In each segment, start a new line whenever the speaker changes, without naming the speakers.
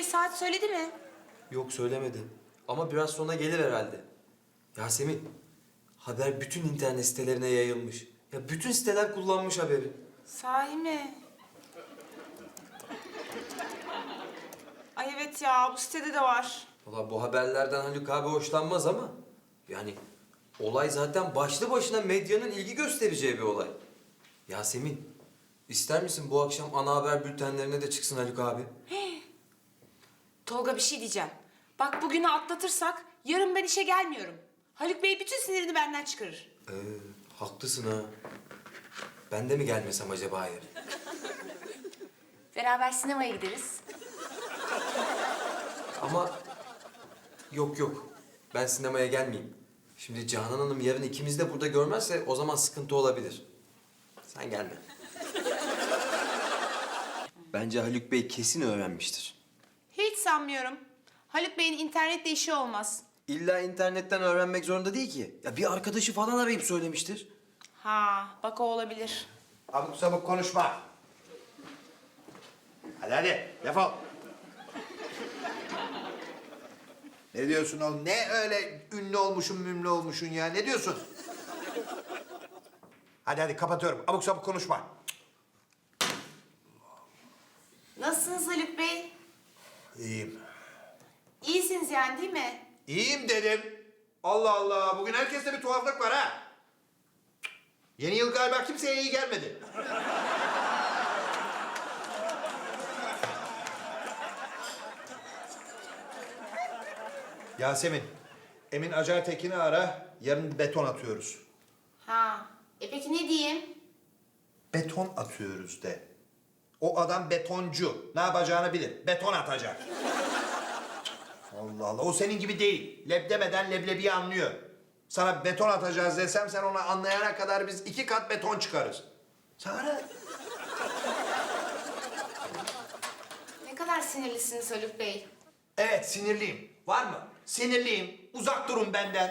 saat söyledi mi?
Yok söylemedi. Ama biraz sonra gelir herhalde. Yasemin, haber bütün internet sitelerine yayılmış. Ya bütün siteler kullanmış haberi.
Sahi mi? Ay evet ya, bu sitede de var.
Valla bu haberlerden Haluk abi hoşlanmaz ama... Yani olay zaten başlı başına medyanın ilgi göstereceği bir olay. Yasemin, ister misin bu akşam ana haber bültenlerine de çıksın Haluk abi?
Tolga bir şey diyeceğim. Bak bugünü atlatırsak yarın ben işe gelmiyorum. Haluk Bey bütün sinirini benden çıkarır.
Haklısın ha. Ben de mi gelmesem acaba yarın?
Beraber sinemaya gideriz.
Ama yok. Ben sinemaya gelmeyeyim. Şimdi Canan Hanım yarın ikimiz de burada görmezse o zaman sıkıntı olabilir. Sen gelme. Bence Haluk Bey kesin öğrenmiştir.
Hiç sanmıyorum. Haluk Bey'in internetle işi olmaz.
İlla internetten öğrenmek zorunda değil ki. Ya bir arkadaşı falan arayıp söylemiştir.
Ha, bak o olabilir.
Abuk sabuk konuşma. Hadi defol. Ne diyorsun oğlum? Ne öyle ünlü olmuşsun, mümlü olmuşsun ya? Ne diyorsun? Hadi kapatıyorum. Abuk sabuk konuşma.
Nasılsınız Haluk Bey?
İyiyim.
İyisiniz yani değil mi?
İyiyim dedim. Allah Allah. Bugün herkeste bir tuhaflık var ha. Yeni yıl galiba kimseye iyi gelmedi. Yasemin, Emin Acar Tekin'i ara. Yarın beton atıyoruz.
Ha, peki ne diyeyim?
Beton atıyoruz de. O adam betoncu. Ne yapacağını bilir. Beton atacak. Allah Allah. O senin gibi değil. Leb demeden leblebiyi anlıyor. Sana beton atacağız desem sen onu anlayana kadar biz 2 kat beton çıkarız. Sana.
Ne kadar sinirlisiniz Haluk Bey.
Evet sinirliyim. Var mı? Sinirliyim. Uzak durun benden.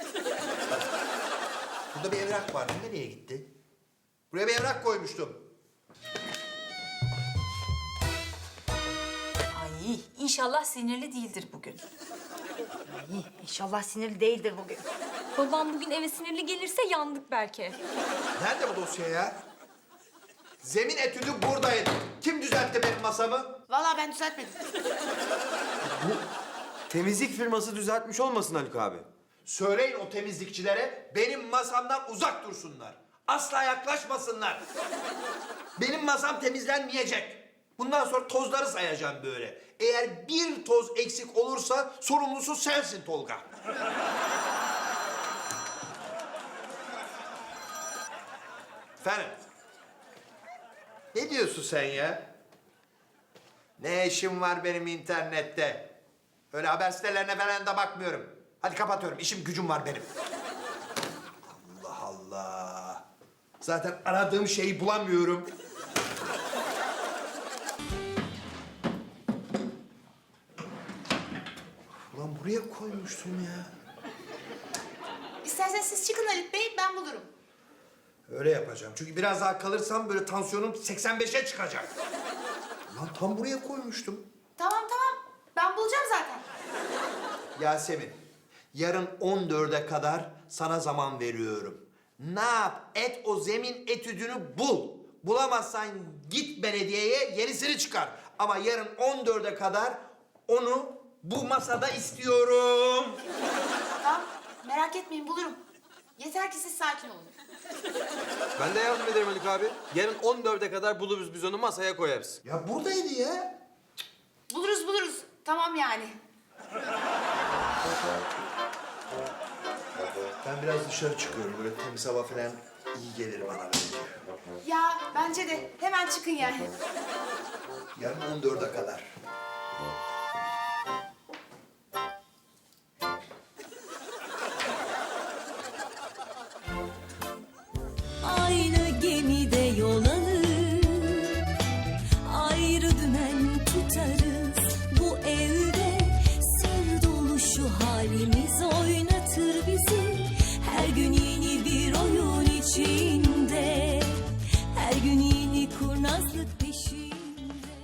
Burada bir evrak vardı. Nereye gitti? Buraya bir evrak koymuştum.
Ay inşallah sinirli değildir bugün. Ay inşallah sinirli değildir bugün.
Babam bugün eve sinirli gelirse yandık belki.
Nerede bu dosya ya? Zemin etüdü buradaydı. Kim düzeltti benim masamı?
Vallahi ben düzeltmedim.
Temizlik firması düzeltmiş olmasın Haluk abi?
Söyleyin o temizlikçilere benim masamdan uzak dursunlar. Asla yaklaşmasınlar. Benim masam temizlenmeyecek. Bundan sonra tozları sayacağım böyle. Eğer bir toz eksik olursa sorumlusu sensin Tolga. Efendim? Ne diyorsun sen ya? Ne işim var benim internette? Öyle haber sitelerine falan da bakmıyorum. Hadi kapatıyorum. İşim gücüm var benim. Allah Allah. Zaten aradığım şeyi bulamıyorum. Ulan buraya koymuştum ya.
İsterseniz siz çıkın Haluk Bey, ben bulurum.
Öyle yapacağım. Çünkü biraz daha kalırsam böyle tansiyonum 85'e çıkacak. Lan tam buraya koymuştum.
Tamam, ben bulacağım zaten.
Yasemin, yarın 14'e kadar sana zaman veriyorum. Ne yap? Et o zemin etüdünü bul. Bulamazsan git belediyeye yenisini çıkar. Ama yarın 14'e kadar onu bu masada istiyorum.
Tamam, merak etmeyin bulurum. Yeter ki siz sakin olun.
Ben de yardım ederim Haluk abi. Yarın 14'e kadar buluruz biz onu masaya koyarız.
Ya buradaydı ya.
Buluruz. Tamam yani.
Ben biraz dışarı çıkıyorum. Böyle temiz hava falan iyi gelir bana bence.
Ya bence de hemen çıkın yani.
Yarın 14'e kadar.